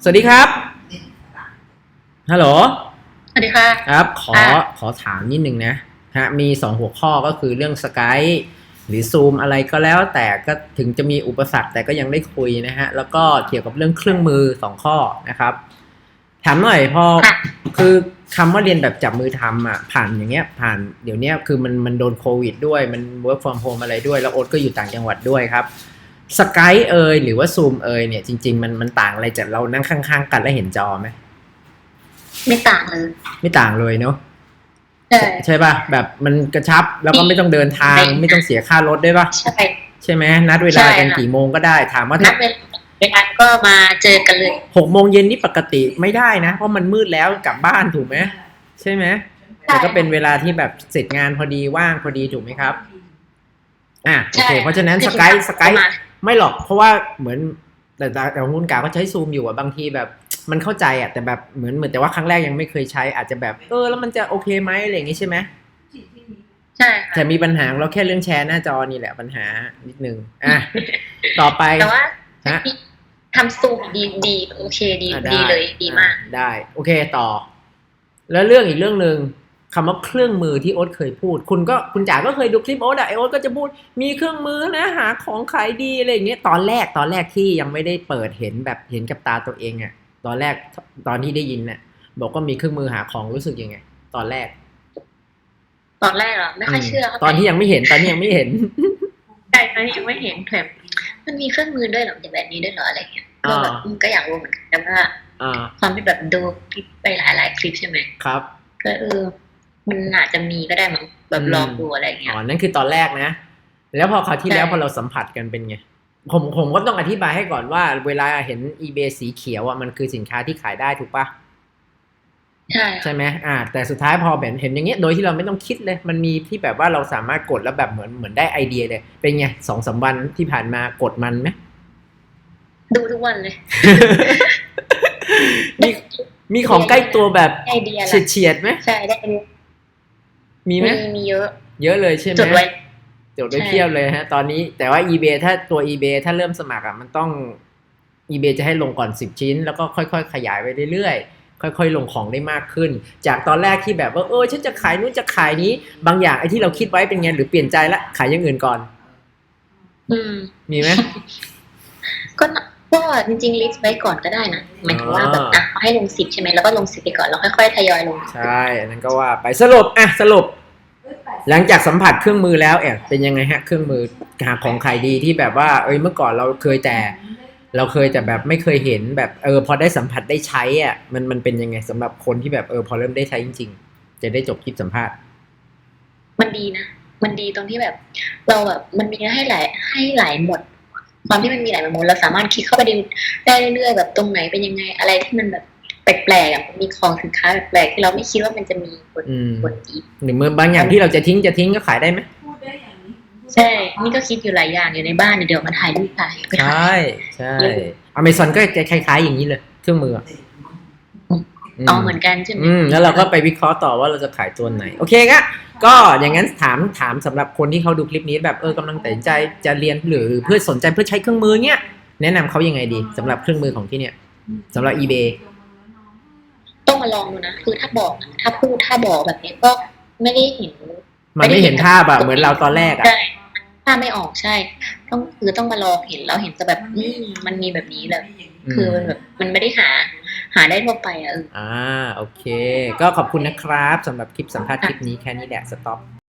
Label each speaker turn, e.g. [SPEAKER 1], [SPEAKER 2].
[SPEAKER 1] สวัสดีครับฮัลโหล
[SPEAKER 2] สวัสดีค่ะ
[SPEAKER 1] ครับขอ
[SPEAKER 2] อ่า
[SPEAKER 1] ขอถามนิดนึงนะฮะมี2หัวข้อก็คือเรื่องสกายหรือซูมอะไรก็แล้วแต่ก็ถึงจะมีอุปสรรคแต่ก็ยังได้คุยนะฮะแล้วก็เกี่ยวกับเรื่องเครื่องมือ2 ข้อนะครับถามหน่อยพอ
[SPEAKER 2] ค่ะ
[SPEAKER 1] คือคำว่าเรียนแบบจับมือทำอ่ะผ่านอย่างเงี้ยผ่านเดี๋ยวนี้คือมันโดนโควิดด้วยมัน work from home อะไรด้วยแล้วโอ๊ตก็อยู่ต่างจังหวัดด้วยครับสกายเอยหรือว่าซูมเอยเนี่ยจริงๆมันต่างอะไรจากเรานั่งข้างๆกันแล้วเห็นจอไหม
[SPEAKER 2] ไม่ต่างเลย
[SPEAKER 1] ไม่ต่างเลยเนาะ
[SPEAKER 2] ใช่
[SPEAKER 1] ใช่ป่ะแบบมันกระชับแล้วก็
[SPEAKER 2] ดี
[SPEAKER 1] ไม่ต้องเดินทางไม่ต้องเสียค่ารถด้วยป่ะ
[SPEAKER 2] ใช่
[SPEAKER 1] ใช่ไหมนัดเวลา
[SPEAKER 2] ใช่
[SPEAKER 1] กัน
[SPEAKER 2] ค่ะ
[SPEAKER 1] กี่โมงก็ได้ถามว่าถ้า
[SPEAKER 2] นัดเวลาก็มาเจอกันเลย
[SPEAKER 1] 6 โมงเย็นนี่ปกติไม่ได้นะเพราะมันมืดแล้วกลับบ้านถูกไหมใช่ไหมแต่
[SPEAKER 2] ใช่
[SPEAKER 1] ก็เป็นเวลาที่แบบเสร็จงานพอดีว่างพอดีถูกไหมครับโอ
[SPEAKER 2] ใช่
[SPEAKER 1] เคเพราะฉะนั้น
[SPEAKER 2] คือ
[SPEAKER 1] สกาย
[SPEAKER 2] กินข้าวก็มา
[SPEAKER 1] ไม่หรอกเพราะว่าเหมือนแต่ของคุณกาก็ใช้ซูมอยู่อะบางทีแบบมันเข้าใจอะแต่แบบเหมือนแต่ว่าครั้งแรกยังไม่เคยใช้อาจจะแบบแล้วมันจะโอเคไหมอะไรอย่างงี้ใช่ไหม
[SPEAKER 2] ใช่ค่ะ
[SPEAKER 1] แต่มีปัญหาของเราแค่เรื่องแชร์หน้าจอนี่แหละปัญหานิดนึงต่อไป
[SPEAKER 2] แต่ว่า
[SPEAKER 1] ฮะ
[SPEAKER 2] ทำซูมดีโอเคดีดี
[SPEAKER 1] ได้
[SPEAKER 2] เลยดีมาก
[SPEAKER 1] ได้โอเคต่อแล้วเรื่องอีกเรื่องหนึ่งคำว่าเครื่องมือที่โอ๊ตเคยพูดคุณจ๋าก็เคยดูคลิปโอ๊ตอะไอโอ๊ตก็จะพูดมีเครื่องมือนะหาของขายดีอะไรอย่างเงี้ยตอนแรกที่ยังไม่ได้เปิดเห็นแบบเห็นกับตาตัวเองอะตอนแรกตอนที่ได้ยินน่ะบอกว่ามีเครื่องมือหาของรู้สึกยังไงตอนแรก
[SPEAKER 2] ตอนแรกเหรอไม่ค่อยเชื่อเท่าไหร่
[SPEAKER 1] ตอนที่ยังไม่เห็นตอนนี้ยังไม่เห็น
[SPEAKER 2] ใช่ตอนนี้ยังไม่เห็นแบบมันมีเครื่องมือด้วยเหรอแบบนี้ด้วยเหรออะไรเงี้ยก็
[SPEAKER 1] อ่า
[SPEAKER 2] แบบก็อยากรู้เหมือนกันแต่ว่า
[SPEAKER 1] อ่า
[SPEAKER 2] ความที่แบบดูคลิปไปหลายคลิปใช่ไหม
[SPEAKER 1] ครับ
[SPEAKER 2] ก็มันอาจจะมีก็ได้มั้งแบบ
[SPEAKER 1] อืม
[SPEAKER 2] ลองดูอะไรเงี้ย
[SPEAKER 1] นั่นคือตอนแรกนะแล้วพอคราวที่
[SPEAKER 2] ใช่
[SPEAKER 1] แล้วพอเราสัมผัสกันเป็นไงผมก็ต้องอธิบายให้ก่อนว่าเวลาเห็น eBay สีเขียวอ่ะมันคือสินค้าที่ขายได้ถูกปะ
[SPEAKER 2] ใช่ค่ะ
[SPEAKER 1] ใช่ไหมแต่สุดท้ายพอแบบเห็นอย่างเงี้ยโดยที่เราไม่ต้องคิดเลยมันมีที่แบบว่าเราสามารถกดแล้วแบบเหมือนได้ไอเดียเลยเป็นไง2-3 วันที่ผ่านมากดมันไหม
[SPEAKER 2] ดูทุกวันเลย
[SPEAKER 1] มีมีของใกล้ตัวแบบ
[SPEAKER 2] ไอเดียละ
[SPEAKER 1] เฉียดไหม
[SPEAKER 2] ใช่ได้ไอเดีย
[SPEAKER 1] มีไหม
[SPEAKER 2] มีเยอะ
[SPEAKER 1] เยอะเลยใช่ไหม
[SPEAKER 2] จดไว้
[SPEAKER 1] จดไว้
[SPEAKER 2] ใช่
[SPEAKER 1] เพียบเลยฮะตอนนี้แต่ว่า eBay ถ้าตัว eBay ถ้าเริ่มสมัครอ่ะมันต้อง eBay จะให้ลงก่อน10 ชิ้นแล้วก็ค่อยๆขยายไปเรื่อยๆค่อยๆลงของได้มากขึ้นจากตอนแรกที่แบบว่าฉันจะขายนู้นจะขายนี้บางอย่างไอ้ที่เราคิดไว้เป็นไงหรือเปลี่ยนใจละขายอย่างอื่นก่อน
[SPEAKER 2] อืม
[SPEAKER 1] มีไหม
[SPEAKER 2] ก็ก็จริงๆลิสต์ไว้ก่อนก็ได้นะหมายถึงว่าแบบเขาให้ลง10ใช่ไหมแล้วก็ลง10ไปก่อนแล้วค่อยๆทยอยลง
[SPEAKER 1] ใช่อันนั้นก็ว่าไปสรุปหลังจากสัมผัสเครื่องมือแล้วเป็นยังไงฮะเครื่องมือหาของขายดีที่แบบว่าเมื่อก่อนเราเคยแต่แบบไม่เคยเห็นแบบพอได้สัมผัสได้ใช้มันเป็นยังไงสำหรับคนที่แบบพอเริ่มได้ใช้จริงๆจะได้จบคลิปสัมภาษณ์
[SPEAKER 2] มันดีนะมันดีตรงที่แบบเราแบบมันมีให้หลายหมดความที่มันมีหลายหมดเราสามารถคลิกเข้าไปดูได้เรื่อยๆแบบตรงไหนเป็นยังไงอะไรที่มันแบบแปลกๆมีของสินค้าแปลกๆที่เราไม่คิดว่ามันจะมีบนอีก
[SPEAKER 1] หรือเมื่อบางอย่างที่เราจะทิ้งก็ขายได้ไหม
[SPEAKER 2] ใช่นี่ก็คิดอยู่หลายอย่างอยู่ในบ้านเดี๋ยวมาถ่ายรูปถ่ายไป
[SPEAKER 1] ใช
[SPEAKER 2] ถ่าย่
[SPEAKER 1] ใช่อเมซอนก็จะคล้ายๆอย่างนี้เลยเครื่องมือ
[SPEAKER 2] อ๋อเหมือนกันใช่ไหม
[SPEAKER 1] แล้วเราก็ไปวิเคราะห์ต่อว่าเราจะขายตัวไหนโอเคก็อย่างนั้นถามสำหรับคนที่เขาดูคลิปนี้แบบกำลังตัดสินใจจะเรียนหรือเพื่อสนใจเพื่อใช้เครื่องมือเนี้ยแนะนำเขายังไงดีสำหรับเครื่องมือของที่เนี่ยสำหรับ eBay
[SPEAKER 2] ต้องมาลองดูนะคือถ้าบอกถ้าบอกแบบนี้ก็ไม่ได้เห็น
[SPEAKER 1] มันไม่เห็นภาพเหมือนเราตอนแรก
[SPEAKER 2] ใช่ถ้าไม่ออกใช่ต้องมาลองเห็นแล้วเห็นจะแบบมันมีแบบนี้เลยคือมันแบบมันไม่ได้หาได้ทั่วไป
[SPEAKER 1] โอเคก็ขอบคุณนะครับสำหรับคลิปสัมภาษณ์คลิปนี้แค่นี้แหละสต็อป